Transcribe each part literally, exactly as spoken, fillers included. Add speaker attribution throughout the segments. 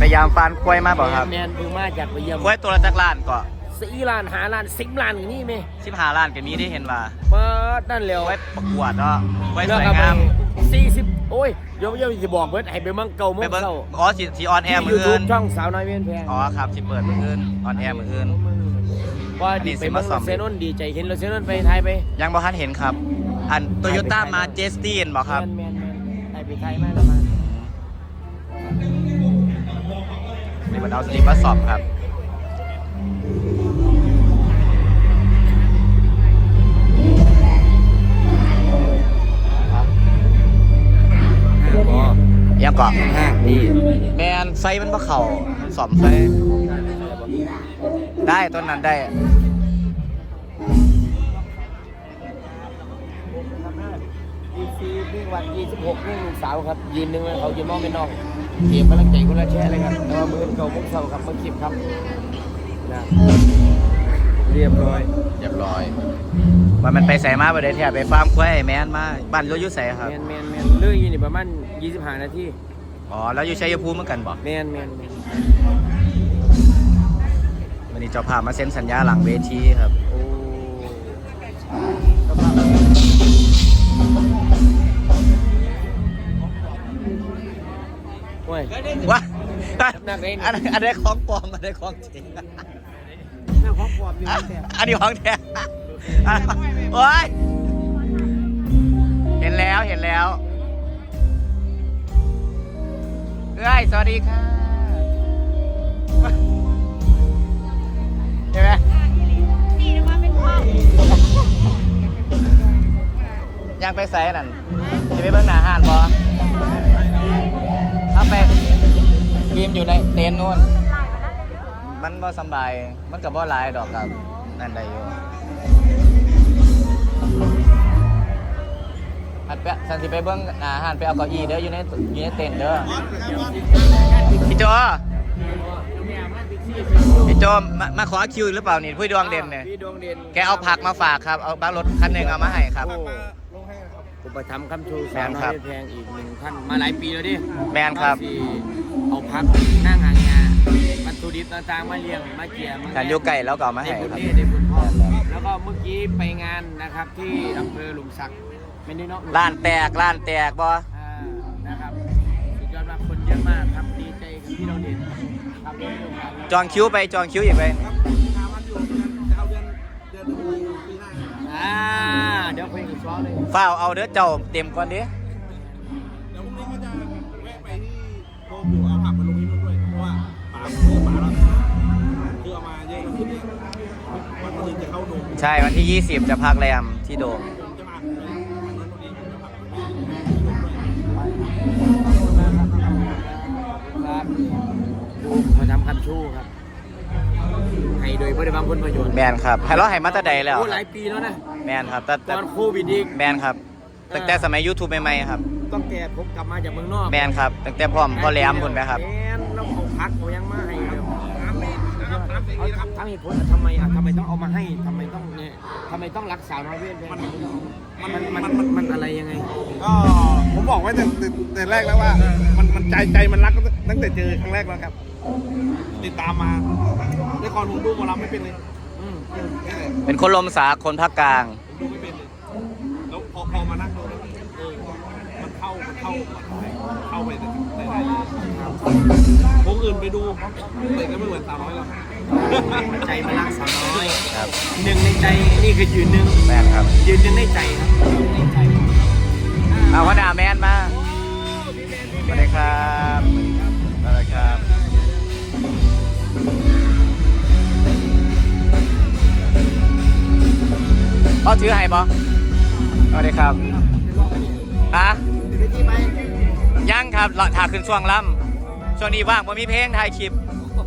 Speaker 1: ยามฟานควายมาบอกครับ
Speaker 2: แมนคือมาจากไปเยี่ยม
Speaker 1: ควายตัวละจักล้านก็
Speaker 2: สี่ล้านหาล้านสิบล้านอย่างนี้ไหม
Speaker 1: สิบห้าล้านก็มีได้เห็นว่า
Speaker 2: มานั่นแล้ว
Speaker 1: ควายประกวดเนาะควายสวยงาม
Speaker 2: สี่สิบโอ้ยเดี๋ยวเดี๋ยวจะบอกเบิร์ดให้ไปมั่งเก่ามั่งเก่า
Speaker 1: อ๋อสิสิออนแอร์มืออื่น
Speaker 2: ช่องสาวน้อยเวียนแพง
Speaker 1: อ๋อครับสิเปิดมืออื่นออนแอร์มืออื่น
Speaker 2: ว่าดีไปมั่งเซนนดีใจเห็นรถเซนนไปไทยไป
Speaker 1: ยังบ่ทันเห็นครับอันโตโยต้ามาเจสตีนบอกครับ
Speaker 2: แมนแมนไทยไปไทยมากแล้วมา
Speaker 1: นี่มันเอาสลิปมาสอบครับยังเกาะ
Speaker 2: ดี
Speaker 1: แมนไฟมันบ่เข่าสอมไฟได้ต้นนั้นได้
Speaker 2: ดีซีวิ่งวันยี่สิบหกวิ่งสาวครับยืนหนึ่งเขายืนมองเป็นน้องเก็บกำลังใจคนละแช่เลยครับแต่ว่ามือเก่ามุกเสาครับมาคลิปครับนะเรียบร้อย
Speaker 1: เรียบร้อยว่ามันไปใส่มาประเดี๋ยวที่ไปฟาร์มควายแมนมาบ้านเราอยู่ใส่ครับ
Speaker 2: แมนแมนแมนเลื่อยอยู่นี่ประมาณยี่สิบห้านาที
Speaker 1: อ๋อแล้วอยู่ชัยภูมิเหมือนกันบ่
Speaker 2: แมนแมนแมน
Speaker 1: วันนี้เจ้าภาพมาเซ็นสัญญาหลังเวทีครับ
Speaker 2: โอ้โอ้ย
Speaker 1: ว้าอันอันนี้ของปลอมอันนี้ของจริง
Speaker 2: น่าของปลอมอยู่
Speaker 1: อันนี้ของแท้โอ้ยเห็นแล้วเห็นแล้วเอ้ยสวัสดีค่ะเห็นไหม
Speaker 3: นี่นะว่าเป็นพ่อ
Speaker 1: ยังไปใส่นั่นจะไปเบิ้งหน้าห้านบ่ถ้าไปทีมอยู่ในเต็นท์นู่นมันบ่สบายมันกับบ่หลายดอกกับนั่นได้อยู่หันไปสันสิไปเบิ้งหน้าห้านไปเอาเก้าอี้เด้ออยู่ในอยู่ในเต็นท์เด้อพี่โจพี่โจมามาขอคิวหรือเปล่านี่พี่ดวงเด่นเนี่ยแกเอาผักมาฝากครับเอาบ้านรถคันหนึ่งเอามาให้ครับ
Speaker 2: อุปถัมภ์คำชูสามน้อยแพงอีกหนึ่งท่านมาหลายปีแล้วดิ
Speaker 1: แมนครับ
Speaker 2: เอาพักนั่งหางงาวัตถุดิบต่างๆมาเลี้ยงมาเกี่ยมา
Speaker 1: การยุ่ไก่แล้วก็มาให้ครับ
Speaker 2: ได้บุญพ่อแล้วก็เมื่อกี้ไปงานนะครับที่อำเภอหลุมสักไม่ได้เนาะ
Speaker 1: ร้านแตกร้านแตกบ่
Speaker 2: นะครับยอดรับคนเยอะมากครับดีใจกับที่เราเด่นครับ
Speaker 1: จองคิวไปจองคิวอีกไป
Speaker 2: อ่าเดี๋ยวเพลงอีกซ้อเลย
Speaker 1: ฝ้าเอาเด้อเจ้าเต็มก่อนดิ
Speaker 4: เดี๋ยวพรุ่งนี้ก็จะแวะไปที่โฮมอยู่เอาผักมาลงที่นู่นด้วยเพราะว่าป่าคือป่าแล้วคือเอามาเยอะขึ้นเนี่ยวันนี้จะเข้าโดม
Speaker 1: ใช่วันที่ยี่สิบจะพักแรมที่โดม
Speaker 4: จะมา
Speaker 2: ครับดูมาทำคำชู้ครับให้โดยบริบาลผลประโยชน์
Speaker 1: แมนครับให้เราให้มาตั้งแต่แล้ว
Speaker 2: โอ้หลายปีแล้วนะ
Speaker 1: แมนครับแต่
Speaker 2: ตอนโควิดอีก
Speaker 1: แมนครับตั้งแต่สมัย YouTube ใหม่ๆครับ
Speaker 2: ต้องแก่ผมกลับมาจากเมืองนอก
Speaker 1: แมนครับตั้งแต่พร้อมก็แหลมคุณไหมครับ
Speaker 2: แมนเราเอาพักเอายังมาให้ครับเอาทำเหตุผลทำไมอ่ะทำไมต้องเอามาให้ทำไมต้องเนี่ยทำไมต้องรักสาวน้อยเวียนแพงมันมันมันมันอะไรยังไง
Speaker 4: ก็ผมบอกไว้แต่แต่แรกแล้วว่ามันมันใจใจมันรักตั้งแต่เจอครั้งแรกแล้วครับติดตามมาในคอนผมดูหมอลำไม่เป็นเลย
Speaker 1: เป็นคนลมสาคนภาคกลาง
Speaker 4: ดูไม่เป็นเลยแล้วพอพอมานั่งดูเออมันเข้ามันเข้าเข้าไปในในวงอื่นไปดูแต่ก็ไม่เหมือนสาวน้อยหรอก
Speaker 2: ใจมันรักสาวน้อยครับหนึ่งในใจนี่คือยืนหนึ่ง
Speaker 1: แมนครับ
Speaker 2: ยืนหนึ่งในใจครับในใจ
Speaker 1: เอาพ่อดาแมนมาสวัสดีครับสวัสดีครับเขาถือให้บ่สวัสดีครับฮะยังครับถ่ายขึ้นช่วงล่ำช่วงนี้ว่างผมมีเพลงถ่ายคลิป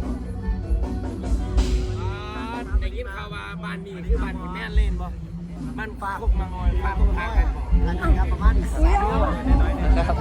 Speaker 2: ได้ยินข่าวว่าบ้านนี้คือบ้านที่แม่เล่นบ่บ้านฟ้าพวกมังอยฟ้าพวกพากันอันนี้ครับประมาณสามเดือนน้อยๆนะครับ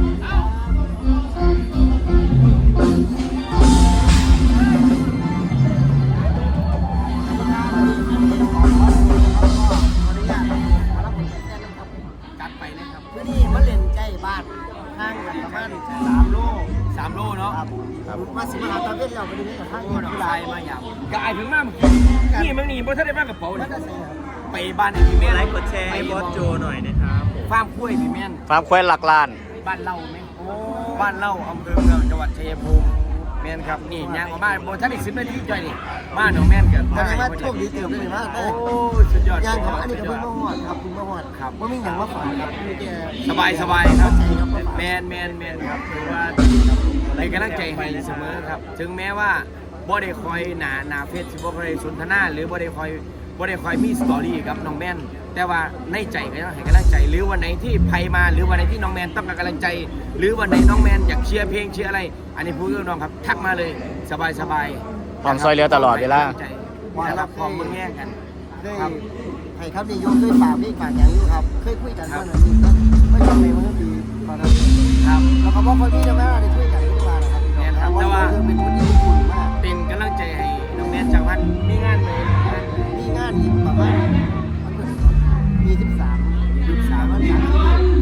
Speaker 2: จัดไปเลยครับ
Speaker 3: นี่มาเล่นใกล้บ้านข้างกันประมาณสามโล
Speaker 2: สามโลเนาะ
Speaker 3: มา
Speaker 2: มาสิมาหาตาเว้นเราไปดูนี่กับข้างก่อน
Speaker 5: ชายมาอย่างกายถึงมากนี่มึงนี่บ่ทันได้มากระเป๋า
Speaker 2: แล้ว
Speaker 5: เนี่ย
Speaker 2: ก็ใส่ครับ
Speaker 5: ไปบ้านไอ้พี่แม่น
Speaker 6: ไลค์กดแชร์ให้บอสโจหน่อยนะครับ
Speaker 5: ฟาร์มกล้วยพี่แม่น
Speaker 1: ฟาร์มควายหลักล้าน
Speaker 5: บ้านเล่าไหมโอ้บ้านเล่าอำเภอเมืองจังหวัดชัยภูมิแม่นครับนี่ย่างออกมาบ่ทันได้สิบนาทีจ้อยนี่บ้านของแม่นกัน
Speaker 2: แสดงว่าโชคดีเติมได้เลยมาก
Speaker 5: โอ้สุดยอด
Speaker 2: ย่างของอันนี้ก็เพิ่งมาหอดครับเพิ่งมาหอดครับว่ามีอย่างมาฝากครับมีแก
Speaker 5: สบายสบายครับ
Speaker 2: ใจครับ
Speaker 5: แมนแมนแมนครับถือว่าเป็นกำลังใจให้เสมอครับ ถึงแม้ว่าบ่ได้คอยหนาหนาเฟซบ่ได้สนทนาหรือบ่ได้คอยบ่ได้คอยมีสตอรี่กับน้องแมนแต่ว่าในใจก็ต้องให้กำลังใจ หรือวันไหนที่ไผมาหรือวันไหนที่น้องแมนต้องการกำลังใจ หรือวันไหนน้องแมนอยากเชียร์เพลงเชียร์อะไร อันนี้พูดกับน้องครับทักมาเลยสบายสบาย
Speaker 1: พร้อมซอยเหลือตลอดเวลา
Speaker 5: นะครับพร้อมมึงแย่งกัน
Speaker 2: เคยให้ครับนี่ยกเคยฝากพี่ฝากอย่างนี้ครับเคยคุยกันว่าหน่อยนี่ก็ไม่จำเป็นว่าดีตอนนั้น
Speaker 5: ครับ
Speaker 2: แล้วก็บอกคนพี่จะไม่ได้คุยกันทุกวันนะครับแต่ว่าเป็นคนที่อบอุ่นมาก
Speaker 5: เป็นกำลังใจให้น้องแมนจากวันมีงานเลย
Speaker 2: มีงานอีกประมาณมีสิบสาม
Speaker 5: ยุคสาม
Speaker 2: วันสามที่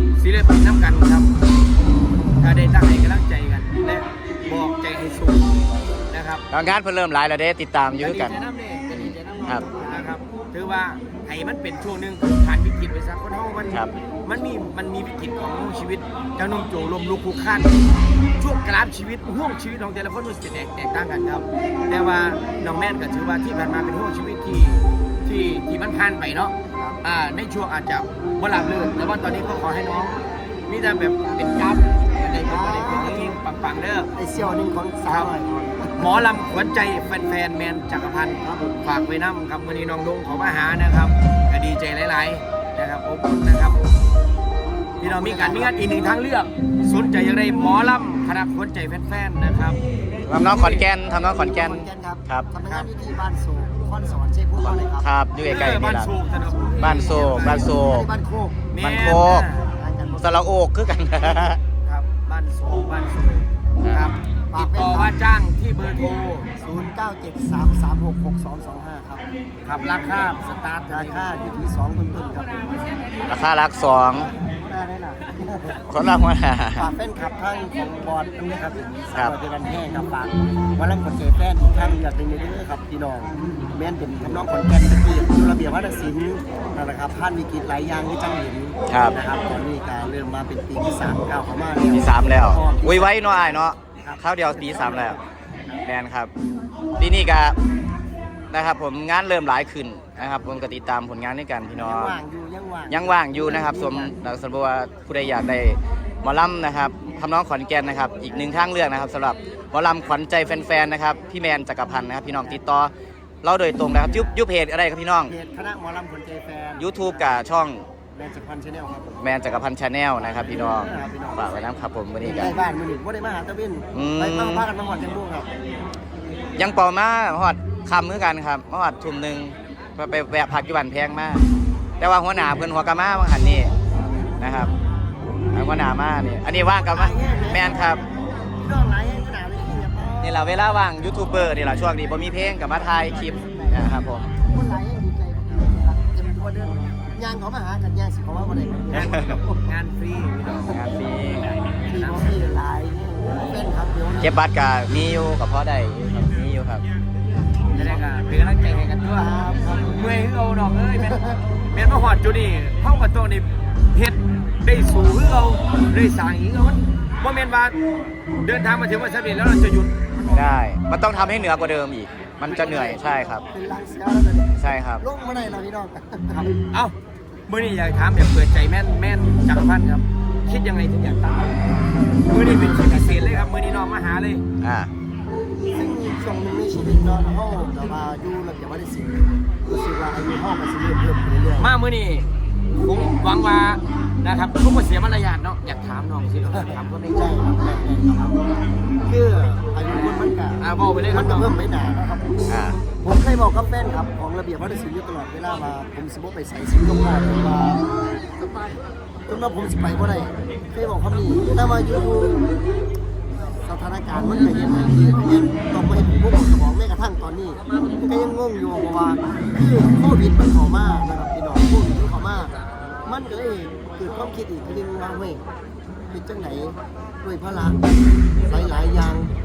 Speaker 5: ศิลปินน้ำกันครับ ถ้าได้ตั้งให้กำลังใจกัน และบอกใจให้สูงนะครับ
Speaker 1: งานเพิ่นเริ่มหลายแล้วเด้ติดตามอยู่คือกัน
Speaker 5: จะดีใจน้ำเนี่ยจะดีใจน้ำ
Speaker 1: ครับ
Speaker 5: นะครับ ถือว่าให้มันเป็นช่วงหนึ่งผ่านวิกฤตไปสักคนเฮามัน
Speaker 1: ครับ
Speaker 5: มันมีมันมีวิกฤตของชีวิตเจ้านุ่มโจลมลุกคลุกคลานช่วงกราฟชีวิตห่วงชีวิตของแต่ละคนมันจะแตกแตกต่างกันครับ แต่ว่าน้องแม่นก็ถือว่าที่ผ่านมาเป็นห่วงชีวิตที่ที่ที่มันผ่านไปเนาะ อ่าในช่วงอาจจะบ่หลับลื่นแต่ว่าตอนนี้ก็ขอให้น้องมีแต่แบบเป็นกราฟในเป็นประเด็นเป็นเพลงปังๆเด้อ
Speaker 2: ไอเซี่ยวหนึ่งของสา
Speaker 5: ครั
Speaker 2: ว
Speaker 5: บหมอลำขวัญใจแฟนๆแมนจักรพันธ์ฝากไว้น้ำครับวันนี้น้องลุงเขามาหานะครับก็ดีใจหลายๆนะครับอบอุ่นนะครับพี่น้องมีการมีงานอีกหนึ่งทางเลือกสนใจอย่างไรหมอลำคณะขวัญใจแฟนๆนะครับ
Speaker 1: ทำน้องขอนแก่นทำน้องขอนแก่น
Speaker 2: ครับ
Speaker 1: ครับ
Speaker 2: ทำงานอยู่ที่บ้านโศกคอนสอนเชฟพูดเลยครับ
Speaker 1: ครับอยู่ใกล้ๆนี่
Speaker 5: บ้าน
Speaker 1: ล่ะ
Speaker 5: โศกนะครับ
Speaker 1: บ้านโศกบ้านโศก
Speaker 2: บ้านโคก
Speaker 5: แม่
Speaker 1: บ้านโคก
Speaker 2: ทางกันหมด
Speaker 1: สระโอกคือกัน
Speaker 5: ครับบ้านโศกบ้านโศกครับติดต่อว่าจ้างที่เบอร์โทร
Speaker 2: ศูนย์เก้าเจ็ดสามสามหกหกสองสองห้าครับ
Speaker 5: ครับราคาสตาร์ท
Speaker 2: ราคาอยู่ที่สองต้นๆครับ
Speaker 1: ราคารักสอง
Speaker 2: ได้ได้หน่ะ
Speaker 1: คนละหัวหน้า
Speaker 2: ฝากแฟนคลับทั้งของบอลด้วยครับ
Speaker 1: ครับ
Speaker 2: สำหเป็นวันแห้งครับฝากวันละคนเจแฟนท่านอยากเป็นเยอะๆครับพี่น้องแม่นเป็นทำน้องคนแก่นตะกี้ดูระเบียบวัฒนศิลป์นั่นแหละครับผ่านวิกฤตหลายอย่างที่จังเห็น
Speaker 1: ครับ
Speaker 2: นะครับตอนนี้การเริ่มมาเป็นปีที่สามก้าวเข้ามาแล้ว
Speaker 1: ปีสามแล้ว อุ้ยไว้เนาะอ้ายเนาะข้าวเดียวปีสามแล้วแมนครับปีนี้ก็นะครับผมงานเริ่มหลายขึ้นนะครับผมก็ติดตามผลงานด้วยกันพี่น้อง
Speaker 2: ยังว่างอยู่ยังว่าง
Speaker 1: ยังว่างอยู่นะครับสมนักสมบูรณ์ผู้ใดอยากได้หมอลำนะครับทำน้องขอนแก่นนะครับอีกหนึ่งทางเลือกนะครับสำหรับหมอลำขวัญใจแฟนๆนะครับพี่แมนจักรพันธ์นะครับพี่น้องติดต่อเราโดยตรงนะครับยุบยุบเพจอะไรครับพี่น้อง
Speaker 2: เพจคณะหมอลำคนใจแฟน
Speaker 1: YouTube กับช่อง
Speaker 2: แมนจักรพันธ์ชาแนลครับผม
Speaker 1: แมนจักรพันธ์ชาแนลนะครับพี่น้องฝากไว้นะครับผมวันนี้กัน
Speaker 2: ใกล้บ้านมือหนึ่งว่าได้มาหาตะวิน
Speaker 1: อืม
Speaker 2: ไปมาพากันมาหอดจังบุ้งครับ
Speaker 1: ยังเป่ามาหอดคำเหมือนกันครับมาหอดทุ่มหนึ่งไปไปแวะพักอยู่บ้านแพงมากแต่ว่าหัวหน้าเพื่อนหัวกะมาบางหันนี่นะครับหัวหน้ามานี่อันนี้ว่างกับมาแมนครับ
Speaker 2: พี่น้องหลายแห่งขนาดเลยที่แบบ
Speaker 1: นี่แหละเวลาว่างยูทูบเบอร์นี่แหละช่วงนี้บ่มีเพลงกับมาถ่ายคลิปนะครับผม
Speaker 2: คนหลายแห่งดีใจครับเต็มตัวเดินยางเขามาหากันยางสิเขาว่าบ่ได้ครับ
Speaker 5: งานฟรีพี่น้อง
Speaker 1: งานฟรี
Speaker 2: พี่น้องพี่หลายเป็นครับเดี๋ยว
Speaker 1: เก็บบัตรกับมีอยู่กับพ่อได้ครับมีอยู่ครับ
Speaker 5: จะได้ก็เป็นกำลังใจให้กันด้วยเมื่อยคือเอาดอกเอ้ยแม่นแม่นมาหอดจุดนี้เข้ากับตัวนี่เฮ็ดได้สู่คือเอาได้สร้างอีกเอามันบ่แม่นว่าเดินทางมาถึงวันสำเร็จแล้วเราจะหยุด
Speaker 1: ได้มันต้องทำให้เหนือกว่าเดิมอีก มันจะเหนื่อยใช่ครับ
Speaker 2: เป็นลังเสียแล้วตอนนี้
Speaker 1: ใช่ครับ
Speaker 2: ลงมาได้แล้วพี่น้อง
Speaker 5: ครับเอ้ามื้อนี้อยากถามแบบเปิดใจแม่นแม่นจักรพันธ์ครับ คิดยังไงถึงอยากตั้งมื้อนี้เป็นชีวิตพิเศษเลยครับมื้อนี้น้องมาหาเลย
Speaker 1: อ่า
Speaker 2: ซึ่งช่วงหนึงในชีวิตเนาะห้องแต่ว่าอยู่ระเบียบวัฒนศิลป์รู้สึกว่าอายุห้องมันสิเริ่มเพิ่มขึ้นเรื่อยๆ
Speaker 5: มามื้อนี้ผมหวังว่านะครับทุกคนเสียมารยาทเนาะอยากถามน้องสิเนาะถามคนในใจ
Speaker 2: ใช่ครับคืออายุคนมันก็
Speaker 5: อ่าบอกไปเลยค
Speaker 2: มั
Speaker 5: รั
Speaker 2: น
Speaker 5: บ
Speaker 2: ก็
Speaker 5: น้อง
Speaker 2: เพิ่มไม่นานนะครับ
Speaker 1: อ่า
Speaker 2: ผมเคยบอกกับแฟนครับของระเบียบวัฒนศิลป์อยู่ตลอดเวลามาผมสิบ่ไปใส่สิงคโปร์จนมาจนมาผมสิไปบ่ได้เคยบอกคำนี้ถ้ามาอยู่สถานการณ์มันก็เห็นที่เห็นต้องมาเห็นพวกผมสมองแม้กระทั่งตอนนี้ก็ยังงงอยู่เพราะว่าคือโควิดมันเข้ามานะครับพี่น้องโควิดมันเข้ามามันก็เลยเกิดความคิดอีกทีนึงว่าเฮ้ยเป็นจังไหนด้วยพลังหลายๆอย่างค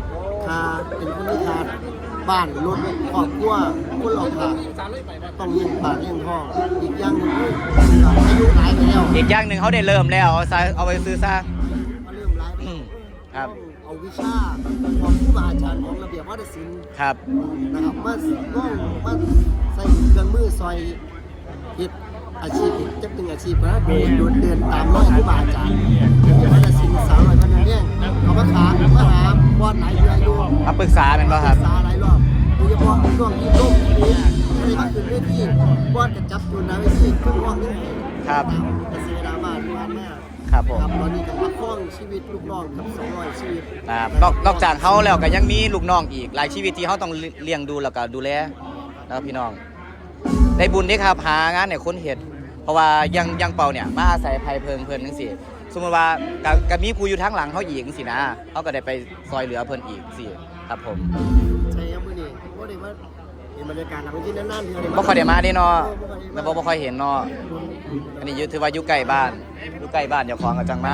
Speaker 7: ทาเป็นคนที่ทาบ้านรถครอบครัวคนเราทาต้องเลี้ยงปากเลี้ยงท้องอีกอย่างหนึงอายุหลายไปแล้ว
Speaker 1: อีกอย่างหนึ่งเขาได้เริ่มแล้วเอาซะเอาไปซื้อซะ
Speaker 7: มาเริ่มหลายไป
Speaker 1: อืมครับ
Speaker 7: เอาวิชาของผู้บาอาจารย์ของระเบียบวัฒนศิลป์
Speaker 1: ครับ
Speaker 7: นะครับมาต้องมาใส่เครื่องมือซอยเฮ็ดอาชีพจะเป็นอาชีพนะเดินเดินเดินตามรอยผู้บาอาจารย์ระเบียบวัฒนศิลป์สาวหน่อยพันธุ์เนี่ยเขามาขามาหาบอดหลายเดือนอยู่
Speaker 1: มาปรึกษาเป็นป่ะครับ
Speaker 7: ศึกษาหลายรอบโดยเฉพาะช่วงที่ล่มนี้ไม่ได้มาขึ้นเวทีบอดกับจับอยู่นะเวทีขึ้นห้องนี่
Speaker 1: ครับ
Speaker 7: เกษตรดรามาที่ผ่านมา
Speaker 1: ครับผม
Speaker 7: ครับตอนนี้ก็ประคองชีวิตลูกน้องกับสองร้อยชีวิต
Speaker 1: ครับนอกนอกจากเขาแล้วก็ยังมีลูกน้องอีกหลายชีวิตที่เขาต้องเลี้ยงดูแล้วก็ดูแลแล้วพี่น้อง ได้บุญเด้ครับหางานในคนเห็ดเพราะว่ายังยังเป่าเนี่ยมาอาศัยภัยเพิงเพิ่นจังซี่สมมติว่าก็ก็มีผู้อยู่ทางหลังเขาอีกจังซี่นะเขาก็ได้ไปซอยเหลือเพิ่นอีกสิครับผม
Speaker 7: ใช่ครับมื้อนี้บ่ได้มาเห็นบรรยากาศหลังเวทีนานๆเทื่อได้
Speaker 1: บ่ค่อยได้มาเด้เนาะ
Speaker 7: เออบ่ค่อยได้
Speaker 1: แล้ว
Speaker 7: มา
Speaker 1: บ่บ่ค่อยเห็นเนาะอันนี้อยู่ถือว่าอยู่ใกล้บ้านอยู่ใกล้บ้านเจ้าของก็จังมา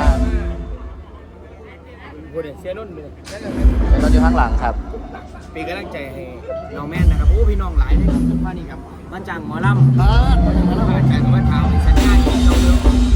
Speaker 5: พูดเสียรุ่นเลย
Speaker 1: แต่เราอยู่ข้างหลังครับ
Speaker 5: เป็นกำลังใจให้น้องแม่นนะครับโอ้พี่น้องหลายเลยครับทุกท่านนี่ครับมาจ้างหมอลำ
Speaker 7: บ้านบ่ได้มาแล้ว
Speaker 5: มาจ้างมาถามสัญญาที่เราเลือก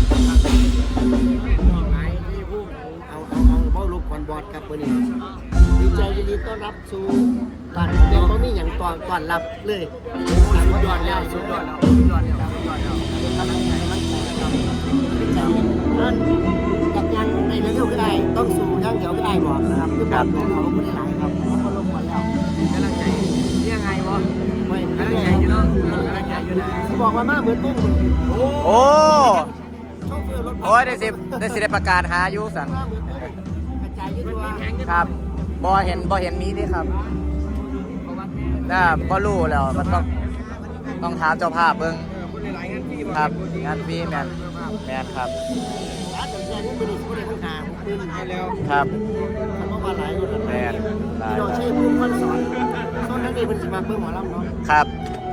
Speaker 5: น้องหลายที่พูด
Speaker 7: เอาเอาเอาเบ้าลูกก่อนบอดครับมื้อนี้ดีใจยินดีต้อนรับสู่บ้านเด็กบ่มีหยังต้อนต้อนรับเลย
Speaker 5: สุดยอดแล้วสุดยอดแล้วสุดยอดแล้วสุดยอดแล้ว
Speaker 7: กำลังใจมันแตกครับดีใจนั่นกับยังในเร็วๆก็ได้ต้องสู่อย่างเดียวก็ได้บอกนะครับคือบ้านของเขาบ่ได้หลายครับเขาก็ลงมาแล้ว
Speaker 5: กำลังใจยังไงวะ
Speaker 7: ไม่
Speaker 5: กำลัง
Speaker 7: ไม่
Speaker 5: ใจอยู่เนาะกำลังใจอยู่นะ
Speaker 7: เขาบอกว่ามาเหมือนตุ้ม
Speaker 1: โอ้
Speaker 7: โชเฟอร์รถ
Speaker 1: โอ้ยได้สิได้สิได้ประกาศหาอยู่สั่น
Speaker 7: มาเหมือนตุ้มกระจายอยืดตัว
Speaker 1: ครับบ่เห็นบ่เห็นมีนี่ครับน่าบ่รู้แล้วมันต้องต้องถามเจ้าภาพเบิ่งครับงานฟรีแมนแมนครับ
Speaker 7: ร้านแต่แค่นี้ไม่ได้ไม่ได้ข้างหน้าผมคืนให้แล้ว
Speaker 1: ครับ
Speaker 7: เขาก็มาหลายคน
Speaker 1: แมนหลาย
Speaker 7: พี่น้องใช้พุ่มพันสอนตอนนั้นเองเป็นสิมาเพิ่มหมอลำเนาะ
Speaker 1: ครับ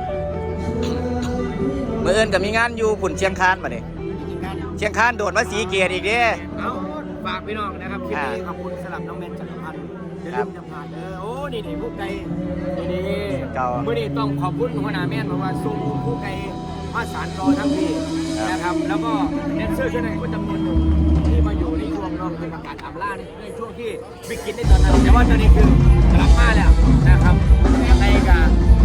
Speaker 1: เมื่อเอินก็มีงานอยู่ผุ่นเชียงคานมาดิ
Speaker 7: จริงๆกัน
Speaker 1: เชียงคานโดดมาสีเกียรติอีกเด้
Speaker 5: เอาฝากพี่น้องนะครับคลิปนี้ขอบคุณสำหรับน้องแมนจักรพันธ์อย่าลืมจะผ่านเออโอ้นี่นี่ผู้ไกลนี่นี่เมื่อนี้ต้องขอบคุณหัวหน้าแม่นเพราะว่าส่งผู้ไกลมาสานรอทั้งปีนะครับแล้วก็แดนเซอร์ช่วยหน่อยก็จำนวนหนึ่งที่มาอยู่ในช่วงน้องเป็นประกาศอำลาในในช่วงที่วิกฤตในตอนนั้นแต่ว่าตอนนี้คือกลับมาแล้วนะครับในการ